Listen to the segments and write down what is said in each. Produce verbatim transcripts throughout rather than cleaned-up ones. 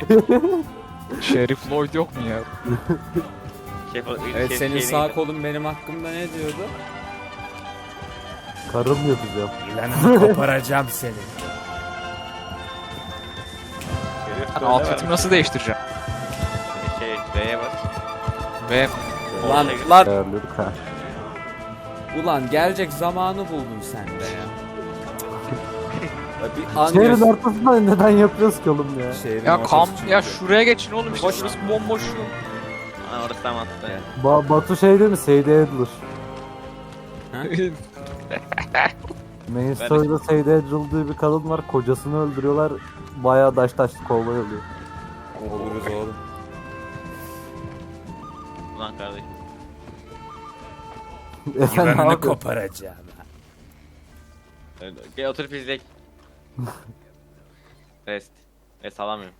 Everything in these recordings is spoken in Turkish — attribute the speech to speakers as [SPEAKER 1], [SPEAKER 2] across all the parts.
[SPEAKER 1] Şerif Lloyd yok mu ya?
[SPEAKER 2] Şef,
[SPEAKER 3] Evet,
[SPEAKER 2] şef-
[SPEAKER 3] senin
[SPEAKER 2] şef-
[SPEAKER 3] sağ kolun benim hakkımda ne diyordu?
[SPEAKER 4] Karım yapacağım.
[SPEAKER 3] Lan koparacağım seni.
[SPEAKER 2] Şerif
[SPEAKER 1] Ben
[SPEAKER 2] böyle
[SPEAKER 1] alt
[SPEAKER 2] var.
[SPEAKER 1] yatımı nasıl değiştireceğim?
[SPEAKER 2] Şey, B'ye bas.
[SPEAKER 1] Ve
[SPEAKER 3] Lan
[SPEAKER 2] Ortaya
[SPEAKER 3] lan
[SPEAKER 4] Ayarlıyorduk ha.
[SPEAKER 3] ulan gelecek zamanı buldun sen de ya. Ya bir an
[SPEAKER 4] Şehrin
[SPEAKER 3] göz-
[SPEAKER 4] ortasında neden yapıyoruz ki oğlum ya?
[SPEAKER 3] Şehrin
[SPEAKER 1] ya
[SPEAKER 3] ortası
[SPEAKER 1] kam
[SPEAKER 3] çünkü.
[SPEAKER 1] ya şuraya geçin oğlum işte
[SPEAKER 3] Boş.
[SPEAKER 1] şurası bomboş.
[SPEAKER 2] Aa, orası tam altta.
[SPEAKER 4] Ba Batu şey değil mi? Seydi Adler. Main Story'da Seydi Adler diye bir kadın var. Kocasını öldürüyorlar. Bayağı daş taşlı kovboy oluyor.
[SPEAKER 3] Oluruz oğlum.
[SPEAKER 2] Ulan kardeşim.
[SPEAKER 4] E sen ne
[SPEAKER 3] Yılanını
[SPEAKER 4] yapıyorsun?
[SPEAKER 3] koparacağım.
[SPEAKER 2] Öyle. Gel oturup izlek. Rest. Rest alamıyorum.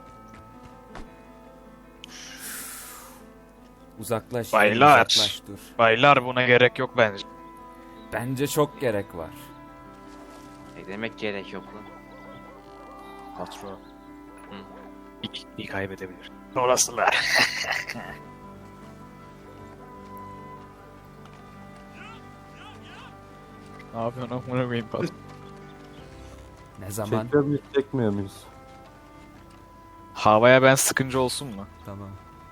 [SPEAKER 3] Uzaklaş.
[SPEAKER 1] Baylar.
[SPEAKER 3] Uzaklaş dur.
[SPEAKER 1] Baylar buna gerek yok bence.
[SPEAKER 3] Bence çok gerek var.
[SPEAKER 2] Ne demek gerek yok lan.
[SPEAKER 1] Patron.
[SPEAKER 2] Hı.
[SPEAKER 1] İlk iyi kaybedebilir. Orasılar. Ne yapıyorsun amına koyayım patron?
[SPEAKER 3] Ne zaman?
[SPEAKER 4] Çekiyor muyuz, çekmiyor muyuz?
[SPEAKER 1] Havaya ben sıkıncı olsun mu?
[SPEAKER 3] Tamam.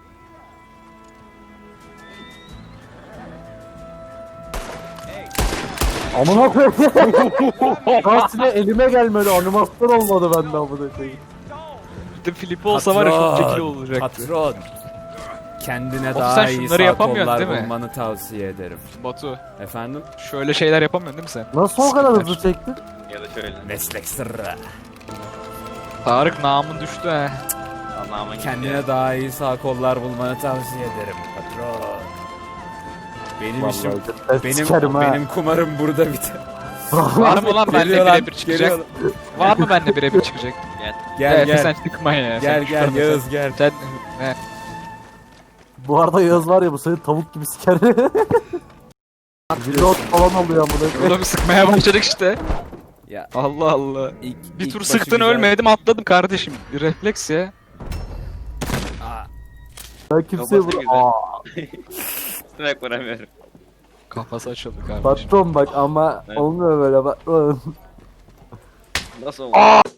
[SPEAKER 4] Amına koyayım. Aslında elime gelmedi. Animasyon olmadı bende amına koyayım.
[SPEAKER 1] Bir de Filip olsa var ya çok
[SPEAKER 3] Patron,
[SPEAKER 1] çekili olacaktı.
[SPEAKER 3] Patron. Kendine
[SPEAKER 1] Oğlum
[SPEAKER 3] daha
[SPEAKER 1] sen
[SPEAKER 3] iyi
[SPEAKER 1] şunları
[SPEAKER 3] sağ
[SPEAKER 1] yapamıyorsun
[SPEAKER 3] kollar
[SPEAKER 1] değil mi?
[SPEAKER 3] bulmanı tavsiye ederim.
[SPEAKER 1] Batu
[SPEAKER 3] Efendim?
[SPEAKER 1] şöyle şeyler yapamıyorsun değil mi sen?
[SPEAKER 4] Nasıl o kadar
[SPEAKER 1] Sıkıntı.
[SPEAKER 4] hızlı çektin?
[SPEAKER 2] Ya da şöyle.
[SPEAKER 3] Meslek sırrı.
[SPEAKER 1] Tarık namın düştü ha.
[SPEAKER 2] Allah'ıma gitti.
[SPEAKER 3] Kendine daha iyi sağ kollar bulmanı tavsiye ederim patron. Benim işim,
[SPEAKER 4] Vallahi ben
[SPEAKER 3] benim
[SPEAKER 4] sikerim ha.
[SPEAKER 3] benim kumarım burada biter.
[SPEAKER 1] Var mı lan benimle
[SPEAKER 3] Geliyor lan,
[SPEAKER 1] birebir çıkacak?
[SPEAKER 3] geliyor.
[SPEAKER 1] Var mı benimle birebir çıkacak?
[SPEAKER 2] Gel.
[SPEAKER 3] Gel
[SPEAKER 1] Efe
[SPEAKER 3] gel.
[SPEAKER 1] sen çıkma ya.
[SPEAKER 3] Gel
[SPEAKER 1] sen
[SPEAKER 3] gel
[SPEAKER 1] çıkarma
[SPEAKER 3] Yağız
[SPEAKER 1] sen.
[SPEAKER 3] gel.
[SPEAKER 1] Sen he.
[SPEAKER 4] Bu arada Yağız var ya bu seni tavuk gibi siker. Reload falan oluyor amına koyayım.
[SPEAKER 1] Burada bir sıkmaya başladık işte.
[SPEAKER 3] Ya
[SPEAKER 1] Allah Allah.
[SPEAKER 3] ilk,
[SPEAKER 1] Bir
[SPEAKER 3] ilk
[SPEAKER 1] tur
[SPEAKER 3] başı
[SPEAKER 1] sıktın
[SPEAKER 3] güzel.
[SPEAKER 1] ölmedim atladım kardeşim. Refleks ya.
[SPEAKER 3] Aa,
[SPEAKER 4] Ben kimseye
[SPEAKER 2] Kafası
[SPEAKER 4] vur.
[SPEAKER 2] güzel.
[SPEAKER 4] Aa,
[SPEAKER 2] Üstüne vuramıyorum.
[SPEAKER 1] Kafası açıldı kardeşim.
[SPEAKER 4] patron bak ama
[SPEAKER 2] Evet.
[SPEAKER 4] olmuyor böyle bak.
[SPEAKER 2] Nasıl oldu?